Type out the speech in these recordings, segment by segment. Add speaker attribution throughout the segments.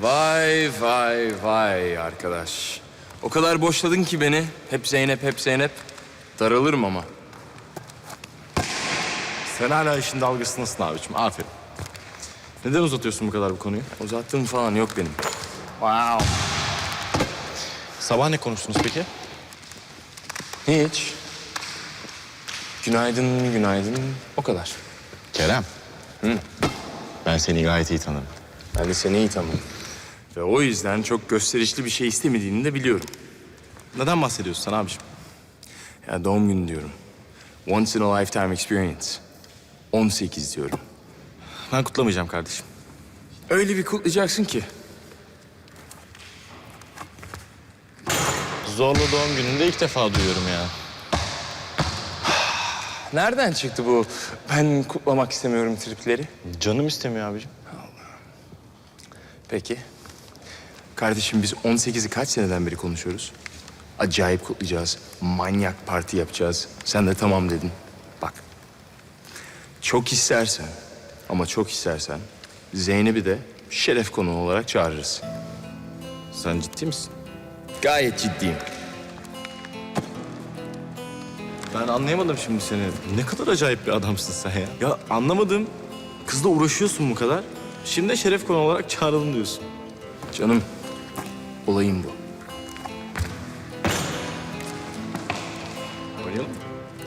Speaker 1: Vay vay vay arkadaş. O kadar boşladın ki beni. Hep Zeynep, hep Zeynep. Daralırım ama.
Speaker 2: Sen hala işin dalgasındasın abiciğim. Aferin. Neden uzatıyorsun bu kadar bu konuyu?
Speaker 1: Uzattığım falan yok benim.
Speaker 2: Wow. Sabah ne konuştunuz peki?
Speaker 1: Hiç. Günaydın, günaydın. O kadar.
Speaker 2: Kerem. Ben seni gayet iyi tanırım.
Speaker 1: Ben de seni iyi tanıdım. Ve o yüzden çok gösterişli bir şey istemediğini de biliyorum.
Speaker 2: Neden bahsediyorsun sen abiciğim?
Speaker 1: Ya doğum günü diyorum. Once in a lifetime experience. 18 diyorum.
Speaker 2: Ben kutlamayacağım kardeşim.
Speaker 1: Öyle bir kutlayacaksın ki.
Speaker 2: Zorlu doğum gününde ilk defa duyuyorum ya.
Speaker 1: Nereden çıktı bu ben kutlamak istemiyorum tripleri?
Speaker 2: Canım istemiyor abiciğim.
Speaker 1: Peki. Kardeşim biz 18'i kaç seneden beri konuşuyoruz? Acayip kutlayacağız. Manyak parti yapacağız. Sen de tamam dedin. Bak. Çok istersen ama çok istersen Zeynep'i de şeref konuğu olarak çağırırız.
Speaker 2: Sen ciddi misin?
Speaker 1: Gayet ciddiyim.
Speaker 2: Ben anlayamadım şimdi seni. Ne kadar acayip bir adamsın sen ya. Ya anlamadım. Kızla uğraşıyorsun bu kadar. Şimdi de şeref konu olarak çağıralım diyorsun.
Speaker 1: Canım, olayım bu.
Speaker 2: Oynayalım mı?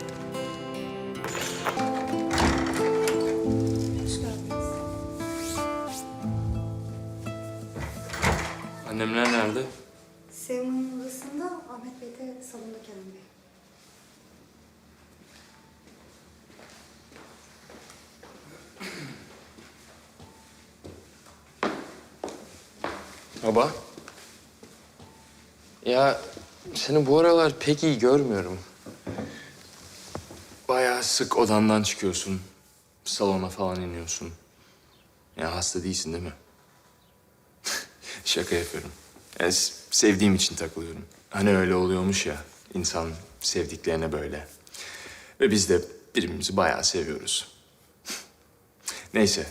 Speaker 1: Annemler nerede?
Speaker 3: Sevim'in odasında, Ahmet Bey de salonda Kerem Bey.
Speaker 1: Baba. Ya seni bu aralar pek iyi görmüyorum. Bayağı sık odandan çıkıyorsun. Salona falan iniyorsun. Ya hasta değilsin değil mi? Şaka yapıyorum. Yani sevdiğim için takılıyorum. Hani öyle oluyormuş ya. İnsan sevdiklerine böyle. Ve biz de birbirimizi bayağı seviyoruz. Neyse.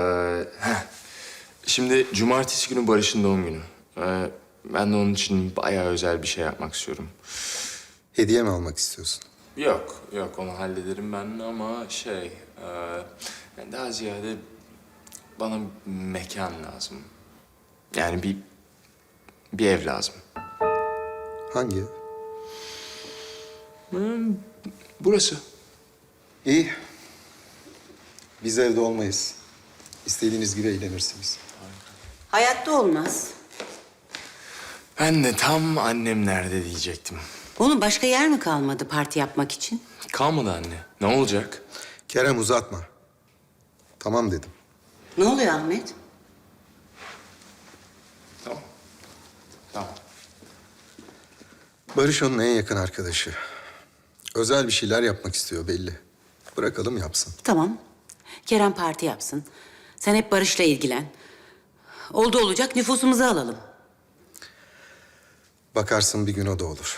Speaker 1: Şimdi cumartesi günü Barış'ın doğum günü. Ben de onun için bayağı özel bir şey yapmak istiyorum.
Speaker 4: Hediye mi almak istiyorsun?
Speaker 1: Yok onu hallederim ben ama yani daha ziyade bana mekan lazım. Yani bir ev lazım.
Speaker 4: Hangi ev?
Speaker 1: Burası.
Speaker 4: İyi. Biz evde olmayız. İstediğiniz gibi eğlenirsiniz.
Speaker 5: Hayatta olmaz.
Speaker 1: Ben de tam annem nerede diyecektim.
Speaker 5: Oğlum başka yer mi kalmadı parti yapmak için?
Speaker 1: Kalmadı anne. Ne olacak?
Speaker 4: Kerem uzatma. Tamam dedim.
Speaker 5: Ne oluyor Ahmet?
Speaker 1: Tamam.
Speaker 4: Barış onun en yakın arkadaşı. Özel bir şeyler yapmak istiyor belli. Bırakalım yapsın.
Speaker 5: Tamam. Kerem parti yapsın. Sen hep Barış'la ilgilen. Oldu olacak nüfusumuzu alalım.
Speaker 4: Bakarsın bir gün o da olur.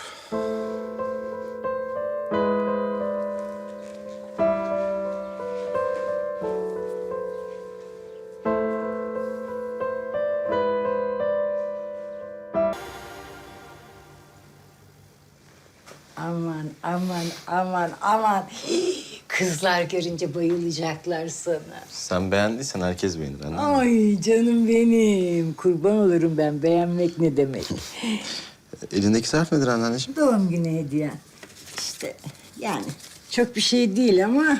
Speaker 6: Aman, aman, aman, aman. Hii, kızlar görünce bayılacaklar sana.
Speaker 2: Sen beğendiysen herkes beğenir. Anladın mı?
Speaker 6: Ay canım benim. Kurban olurum ben. Beğenmek ne demek?
Speaker 2: Elindeki zarf nedir anneanneciğim?
Speaker 6: Doğum günü hediye. İşte yani çok bir şey değil ama...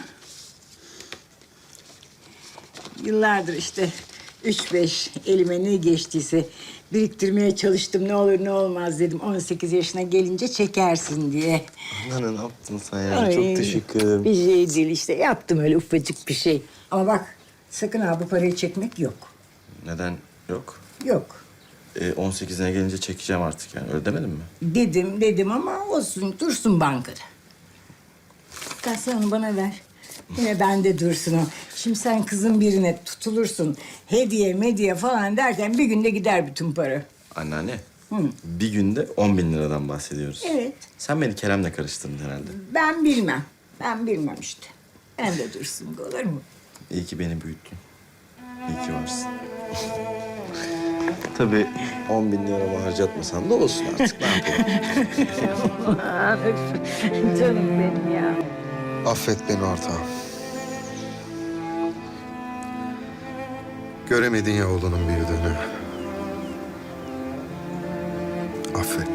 Speaker 6: Yıllardır işte 3-5 elime ne geçtiyse biriktirmeye çalıştım. Ne olur ne olmaz dedim. 18 yaşına gelince çekersin diye.
Speaker 2: Anneanne ne yaptın sen ya?
Speaker 6: Ay,
Speaker 2: Çok teşekkür ederim.
Speaker 6: Bir şey değil işte. Yaptım öyle ufacık bir şey. Ama bak sakın ha bu parayı çekmek yok.
Speaker 2: Neden yok?
Speaker 6: Yok.
Speaker 2: 18'ine gelince çekeceğim artık yani. Öyle demedin mi?
Speaker 6: Dedim ama olsun dursun bankada. Hatta sen onu bana ver. Yine bende dursun o. Şimdi sen kızın birine tutulursun. Hediye mediye falan derken bir günde gider bütün para.
Speaker 2: Anneanne. Bir günde 10.000 liradan bahsediyoruz.
Speaker 6: Evet.
Speaker 2: Sen beni Kerem'le karıştırdın herhalde.
Speaker 6: Ben bilmem. Ben bilmem işte. Bende dursun olur mu?
Speaker 2: İyi ki beni büyüttün. İyi ki varsın. Tabii 10 bin lira harcatmasan da olsun artık. Ne yapalım?
Speaker 6: Canım benim ya.
Speaker 4: Affet beni ortağım. Göremedin ya oğlunun büyüdüğünü. Affet.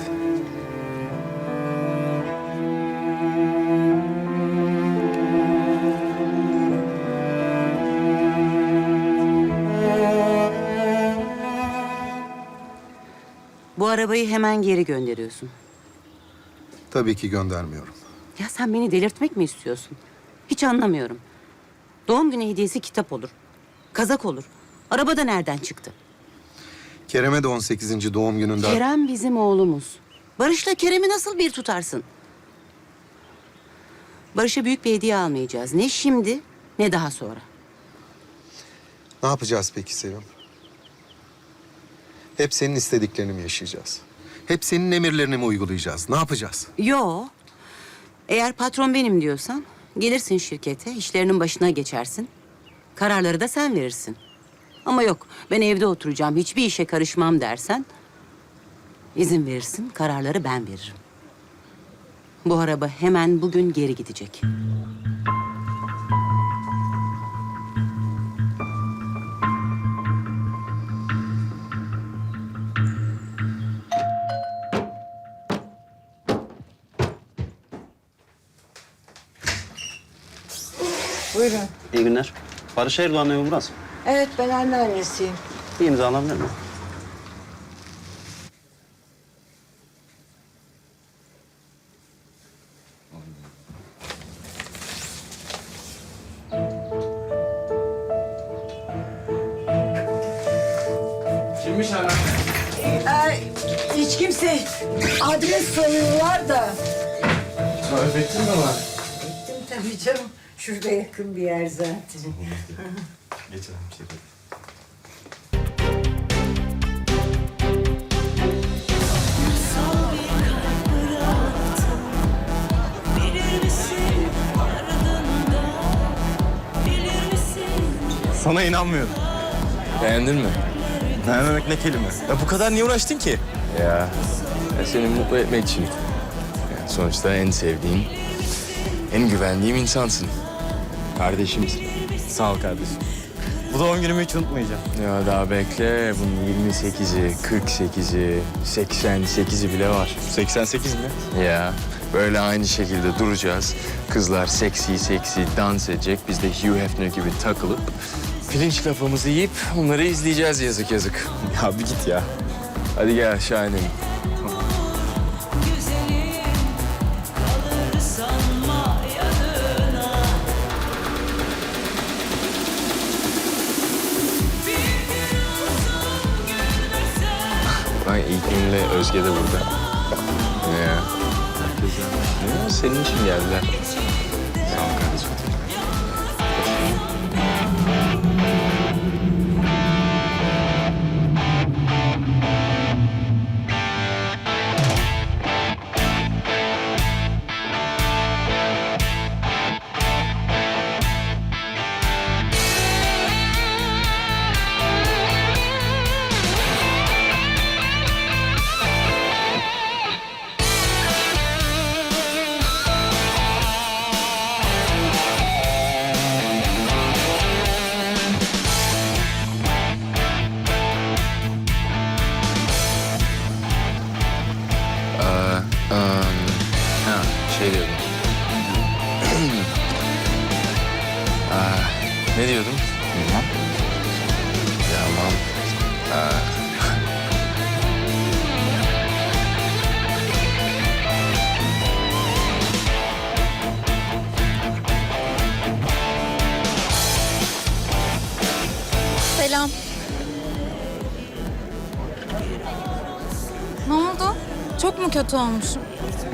Speaker 5: Bu arabayı hemen geri gönderiyorsun.
Speaker 4: Tabii ki göndermiyorum.
Speaker 5: Ya sen beni delirtmek mi istiyorsun? Hiç anlamıyorum. Doğum günü hediyesi kitap olur. Kazak olur. Araba da nereden çıktı?
Speaker 4: Kerem'e de 18. doğum gününde...
Speaker 5: Kerem bizim oğlumuz. Barış'la Kerem'i nasıl bir tutarsın? Barış'a büyük bir hediye almayacağız. Ne şimdi ne daha sonra.
Speaker 4: Ne yapacağız peki Sevim? Hep senin istediklerini mi yaşayacağız? Hep senin emirlerini mi uygulayacağız? Ne yapacağız?
Speaker 5: Yo. Eğer patron benim diyorsan gelirsin şirkete, işlerinin başına geçersin. Kararları da sen verirsin. Ama yok, ben evde oturacağım, hiçbir işe karışmam dersen... ...izin verirsin, kararları ben veririm. Bu araba hemen bugün geri gidecek.
Speaker 6: Buyurun.
Speaker 7: İyi günler. Barış Erdoğan evi burası.
Speaker 6: Evet, ben anneannesiyim.
Speaker 7: Bir imza alabilir miyim?
Speaker 1: Kimmiş hala?
Speaker 6: Hiç kimse adres soruyorlar da.
Speaker 1: Tarif ettin mi var?
Speaker 6: Ettim tabii canım. Şurada yakın bir yer zaten.
Speaker 2: Geçelim şirkete. Sana inanmıyorum.
Speaker 1: Beğendin mi?
Speaker 2: Beğenmemek ne kelime? Ya bu kadar niye uğraştın ki?
Speaker 1: Ya seni mutlu etmek için. Yani sonuçta en sevdiğim, en güvendiğim insansın. Kardeşimsin.
Speaker 2: Sağ ol kardeşim. Bu doğum günümü hiç unutmayacağım.
Speaker 1: Ya daha bekle. Bunun 28'i, 48'i, 88'i bile var.
Speaker 2: 88 mi?
Speaker 1: Ya böyle aynı şekilde duracağız. Kızlar seksi seksi dans edecek. Biz de Hugh Hefner gibi takılıp pirinç kafamızı yiyip onları izleyeceğiz yazık yazık.
Speaker 2: Ya bir git ya.
Speaker 1: Hadi gel aşağı inelim. Bak İlknur'la Özge de burada. Ya. Ya, senin için geldiler. Sağ ol kardeşim. Şey diyordum. Ne diyordum? Bilmem. Tamam.
Speaker 8: Selam. Ne oldu? Çok mu kötü olmuşum?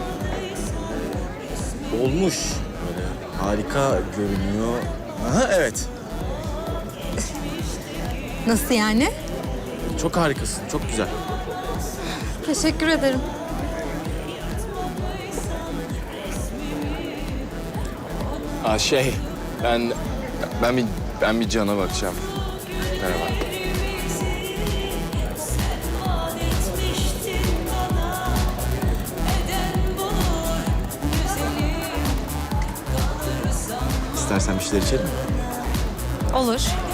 Speaker 2: Olmuş. Böyle harika görünüyor. Aha evet.
Speaker 8: Nasıl yani?
Speaker 2: Çok harikasın. Çok güzel.
Speaker 8: Teşekkür ederim.
Speaker 1: Ben bir Can'a bakacağım. Merhaba.
Speaker 2: İstersen bir şeyler içelim mi?
Speaker 8: Olur.